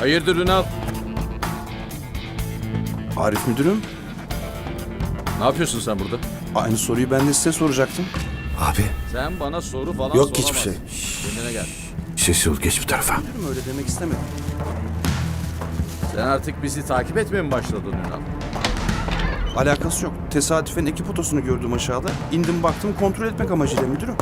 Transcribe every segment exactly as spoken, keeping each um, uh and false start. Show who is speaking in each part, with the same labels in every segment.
Speaker 1: Hayırdır Ünal?
Speaker 2: Arif müdürüm,
Speaker 1: Ne yapıyorsun sen burada?
Speaker 2: aynı soruyu ben de size soracaktım.
Speaker 3: Abi
Speaker 1: Sen bana soru falan
Speaker 3: yok hiçbir şey.
Speaker 1: soramazsın. Kendine gel.
Speaker 3: Sessiz ol, geç bu tarafa.
Speaker 2: Müdürüm öyle demek istemedim.
Speaker 1: Sen artık bizi takip etmeye mi başladın Ünal?
Speaker 2: Alakası yok. Tesadüfen ekip otosunu gördüm aşağıda. İndim baktım kontrol etmek amacıyla müdürüm.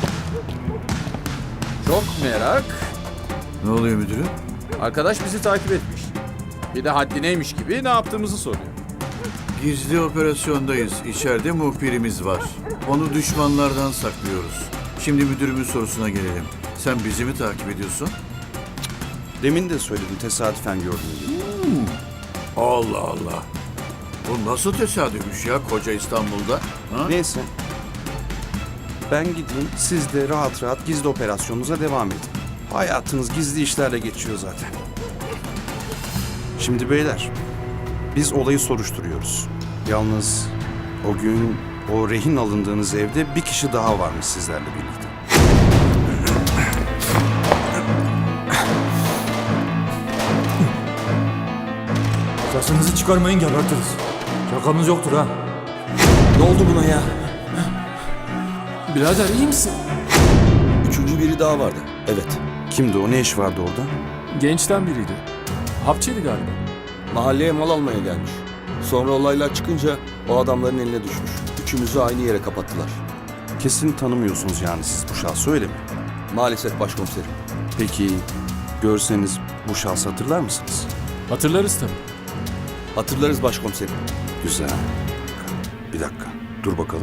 Speaker 1: Çok merak.
Speaker 3: Ne oluyor müdürüm?
Speaker 1: Arkadaş bizi takip etmiş. Bir de haddineymiş gibi ne yaptığımızı soruyor.
Speaker 4: Gizli operasyondayız. İçeride muhbirimiz var. Onu düşmanlardan saklıyoruz. Şimdi müdürümün sorusuna gelelim. Sen bizi mi takip ediyorsun?
Speaker 2: Demin de söyledim tesadüfen gördüm diye.
Speaker 4: Allah Allah. Bu nasıl tesadüfmüş ya koca İstanbul'da? Ha?
Speaker 2: Neyse. Ben gideyim, siz de rahat rahat gizli operasyonunuza devam edin. Hayatınız gizli işlerle geçiyor zaten. Şimdi beyler, biz olayı soruşturuyoruz. Yalnız o gün o rehin alındığınız evde bir kişi daha varmış sizlerle birlikte.
Speaker 5: Sesinizi çıkarmayın gebertiriz. Şakamız yoktur ha.
Speaker 6: Ne oldu buna ya?
Speaker 5: Birader iyi misin?
Speaker 6: Üçüncü biri daha vardı. Evet.
Speaker 2: Kimdi o? Ne iş vardı orada?
Speaker 5: Gençten biriydi. Hapçıydı galiba.
Speaker 6: Mahalleye mal almaya gelmiş. Sonra olaylar çıkınca o adamların eline düşmüş. Üçümüzü aynı yere kapattılar.
Speaker 2: Kesin tanımıyorsunuz yani siz bu şahsı, öyle mi?
Speaker 6: Maalesef başkomiserim.
Speaker 2: Peki görseniz bu şahsı hatırlar mısınız?
Speaker 5: Hatırlarız tabii.
Speaker 6: Hatırlarız başkomiserim.
Speaker 2: Güzel. Bir dakika. Dur bakalım.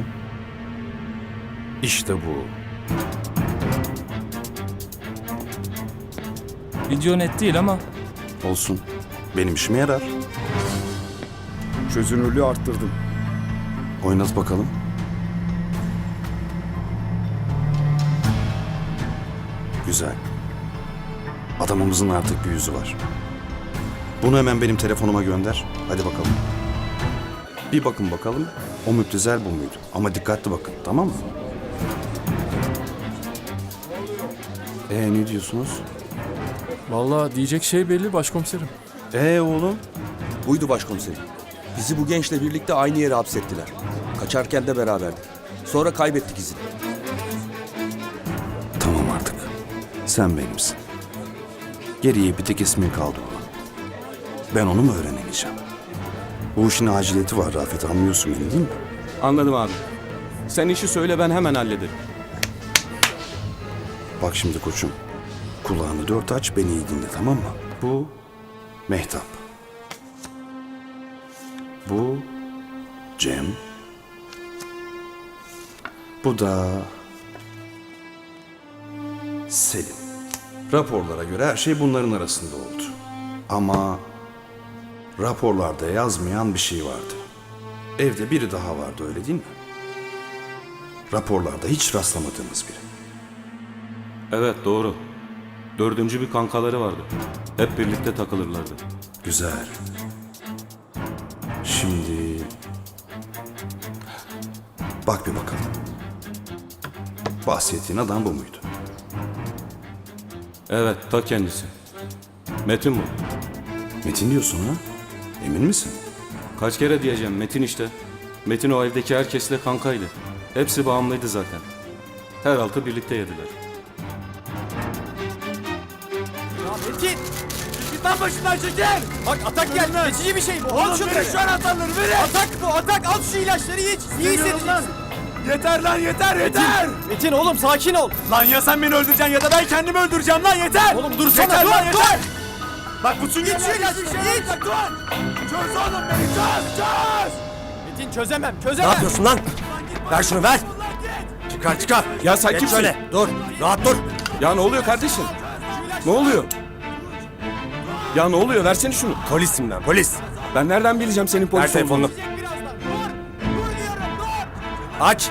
Speaker 2: İşte bu.
Speaker 7: Video net değil ama
Speaker 2: Olsun. Benim işime yarar.
Speaker 3: Çözünürlüğü arttırdım.
Speaker 2: Oynat bakalım. Güzel. Adamımızın artık bir yüzü var. Bunu hemen benim telefonuma gönder. Hadi bakalım. Bir bakın bakalım. O müptezel bu muydu? Ama dikkatli bakın, tamam mı? Ee ne diyorsunuz?
Speaker 5: Vallahi diyecek şey belli başkomiserim.
Speaker 2: Ee oğlum?
Speaker 6: Buydu başkomiserim. Bizi bu gençle birlikte aynı yere hapsettiler. Kaçarken de beraberdik. Sonra kaybettik izini.
Speaker 2: Tamam artık. Sen benimsin. Geriye bir tek ismin kaldı olan. Ben onu mu öğrenemeyeceğim? Bu işin aciliyeti var Rafet, anlıyorsun beni değil mi?
Speaker 8: Anladım abi. Sen işi söyle, ben hemen hallederim.
Speaker 2: Bak şimdi koçum. Kulağını dört aç, beni iyi dinle, tamam mı? Bu Mehtap. Bu Cem. Bu da Selim. Raporlara göre her şey bunların arasında oldu. Ama raporlarda yazmayan bir şey vardı. Evde biri daha vardı, öyle değil mi? Raporlarda hiç rastlamadığımız biri.
Speaker 8: Evet, doğru. Dördüncü bir kankaları vardı. Hep birlikte takılırlardı.
Speaker 2: Güzel. Şimdi bak bir bakalım. Bahsettiğin adam bu muydu?
Speaker 8: Evet, ta kendisi. Metin bu.
Speaker 2: Metin diyorsun ha? Emin misin?
Speaker 8: Kaç kere diyeceğim, Metin işte. Metin o evdeki herkesle kankaydı. Hepsi bağımlıydı zaten. Her altı birlikte yediler.
Speaker 9: Metin! Git lan başımdan çekil! Bak atak geldi. Geçici bir şey bu. Al şunu. Şu anahtarları verin. Atak bu. Atak. Al şu ilaçları iç. İyi hissedeceksin.
Speaker 5: Yeter lan yeter yeter.
Speaker 9: Metin oğlum sakin ol.
Speaker 5: Lan ya sen beni öldüreceksin ya da ben kendimi öldüreceğim lan yeter.
Speaker 9: Oğlum dursana,
Speaker 5: yeter
Speaker 9: dur,
Speaker 5: lan
Speaker 9: dur.
Speaker 5: yeter. Bak bu çünkü
Speaker 9: İç şu ilaçları iç.
Speaker 5: Dur. Çöz oğlum beni çöz çöz.
Speaker 9: Metin çözemem çözemem.
Speaker 6: Ne yapıyorsun lan? Ver şunu ver.
Speaker 8: Çıkar çıkar. Ya sen kimsin?
Speaker 6: Şöyle dur. Rahat dur.
Speaker 8: Ya ne oluyor kardeşim? Ne oluyor? Ya ne oluyor? Versene şunu.
Speaker 6: Polisim ben polis.
Speaker 8: Ben nereden bileceğim senin polis
Speaker 6: Ver telefonunu.
Speaker 8: olduğunu?
Speaker 6: Aç.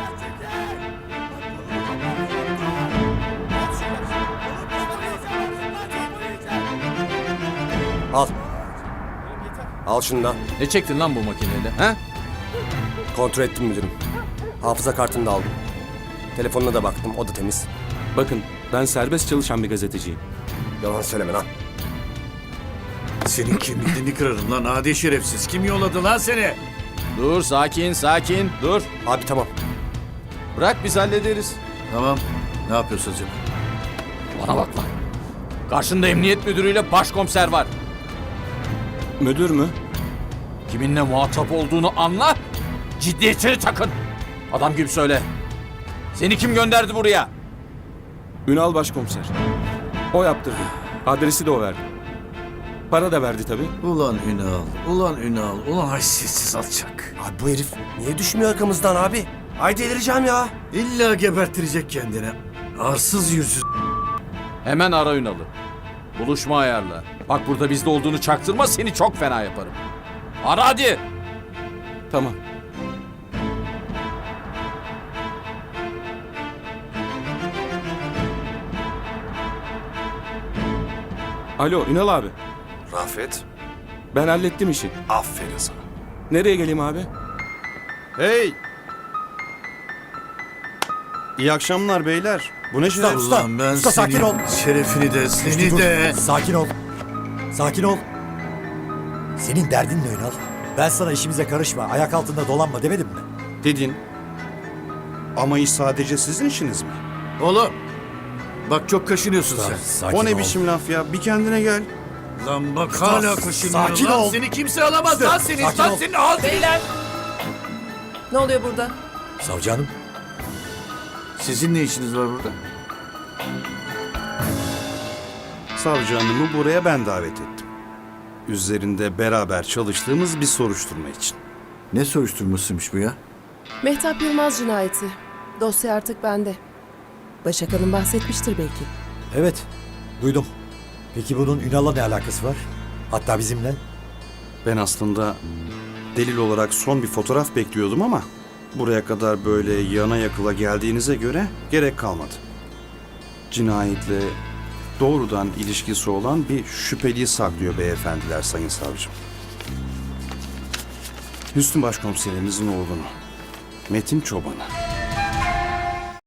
Speaker 6: Al. Al şunu da.
Speaker 1: Ne çektin lan bu makinede? Ha?
Speaker 6: Kontrol ettim müdürüm. Hafıza kartını da aldım. Telefonuna da baktım, o da temiz.
Speaker 8: Bakın, ben serbest çalışan bir gazeteciyim.
Speaker 6: Yalan söyleme lan.
Speaker 4: Senin kemiğini kırarım lan adi şerefsiz. Kim yolladı lan seni?
Speaker 1: Dur sakin sakin dur.
Speaker 9: Abi tamam.
Speaker 1: Bırak biz hallederiz.
Speaker 4: Tamam. Ne yapıyorsun acaba?
Speaker 1: Bana bak lan. Karşında emniyet müdürüyle başkomiser var.
Speaker 8: Müdür mü?
Speaker 1: Kiminle muhatap olduğunu anla. Ciddiyetini takın. Adam gibi söyle. Seni kim gönderdi buraya?
Speaker 8: Ünal başkomiser. O yaptırdı. Adresi de o verdi. Para da verdi tabii.
Speaker 4: Ulan Ünal, ulan Ünal, ulan haysiyetsiz alçak.
Speaker 9: Abi bu herif niye düşmüyor arkamızdan abi? Ay delireceğim ya.
Speaker 4: İlla gebertirecek kendini. Arsız yüzsüz.
Speaker 1: Hemen ara Ünal'ı. Buluşma ayarla. Bak burada bizde olduğunu çaktırma, seni çok fena yaparım. Ara hadi.
Speaker 8: Tamam. Alo Ünal abi.
Speaker 3: Rafet,
Speaker 8: Ben hallettim işi.
Speaker 3: aferin sana.
Speaker 8: Nereye geleyim abi?
Speaker 2: Hey! İyi akşamlar beyler. Bu ne şeref?
Speaker 4: Ulan ben
Speaker 9: usta,
Speaker 4: senin
Speaker 9: sakin ol.
Speaker 4: şerefini de seni
Speaker 9: Dur,
Speaker 4: de.
Speaker 9: Sakin ol. Sakin ol. Senin derdin ne Ünal? Ben sana işimize karışma, ayak altında dolanma demedim mi?
Speaker 2: Dedin. Ama iş sadece sizin işiniz mi?
Speaker 4: Oğlum. Bak çok kaşınıyorsun sen.
Speaker 9: Sakin
Speaker 2: O ne
Speaker 9: ol.
Speaker 2: biçim laf ya? Bir kendine gel.
Speaker 4: Lan bak hala kaşınıyor
Speaker 9: sakin
Speaker 4: lan.
Speaker 9: ol.
Speaker 4: Seni kimse alamaz
Speaker 9: Usta,
Speaker 4: lan seni.
Speaker 9: sakin
Speaker 4: Lan
Speaker 9: ol.
Speaker 4: senin al.
Speaker 7: Beyler. Ne oluyor burada?
Speaker 9: Savcı hanım,
Speaker 4: Sizin ne işiniz var burada?
Speaker 2: Savcı hanımı buraya ben davet ettim. Üzerinde beraber çalıştığımız bir soruşturma için.
Speaker 4: Ne soruşturmasıymış bu ya?
Speaker 7: Mehtap Yılmaz cinayeti. Dosya artık bende. Başak Hanım bahsetmiştir belki.
Speaker 9: evet duydum. Peki bunun Ünal'la ne alakası var? Hatta bizimle.
Speaker 2: Ben aslında delil olarak son bir fotoğraf bekliyordum ama buraya kadar böyle yana yakıla geldiğinize göre gerek kalmadı. Cinayetle doğrudan ilişkisi olan bir şüpheliyi saklıyor beyefendiler sayın savcım. Hüsnü Başkomiserimizin oğlunu, Metin Çoban'ı.